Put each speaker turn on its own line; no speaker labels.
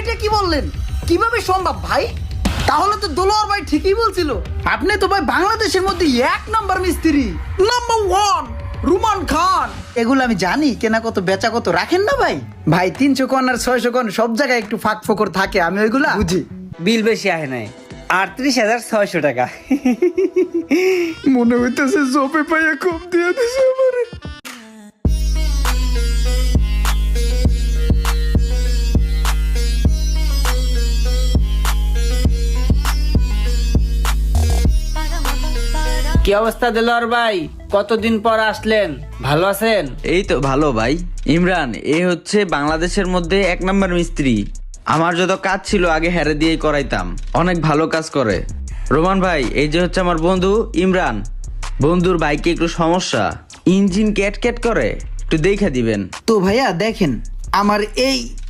এইটা কি বললেন? কিভাবে সম্ভব ভাই? তাহলে তো দোলার ভাই ঠিকই বলছিল, আপনি তো ভাই বাংলাদেশের মধ্যে 1 নাম্বার মিস্ত্রি, নাম্বার 1 রুমান খান। এগুলো আমি জানি, কেনা কত বেচা কত রাখেন না ভাই। ভাই 300 কোন আর 600 কোন সব জায়গায় একটু ফাঁক ফোকর থাকে, আমি ওইগুলা বুঝি।
বিল বেশি আহে নাই, 38,600 টাকা।
মনে হইতেছে জবে পাইয়া কম দিয়ে দিছে আমারে।
কি অবস্থা দিলওয়ার ভাই, কতদিন পর আসলেন, ভালো আছেন?
এই তো ভালো ভাই। ইমরান এ হচ্ছে বাংলাদেশের মধ্যে 1 নাম্বার মিস্ত্রি। আমার যত কাজ ছিল আগে হেরে দিয়েই করাইতাম, অনেক ভালো কাজ করে। রোমান ভাই এই যে হচ্ছে আমার বন্ধু ইমরান। বন্ধুর বাইকে একটু সমস্যা, ইঞ্জিন ক্যাট ক্যাট করে, একটু দেখে দিবেন।
তো ভাইয়া দেখেন, আমার এই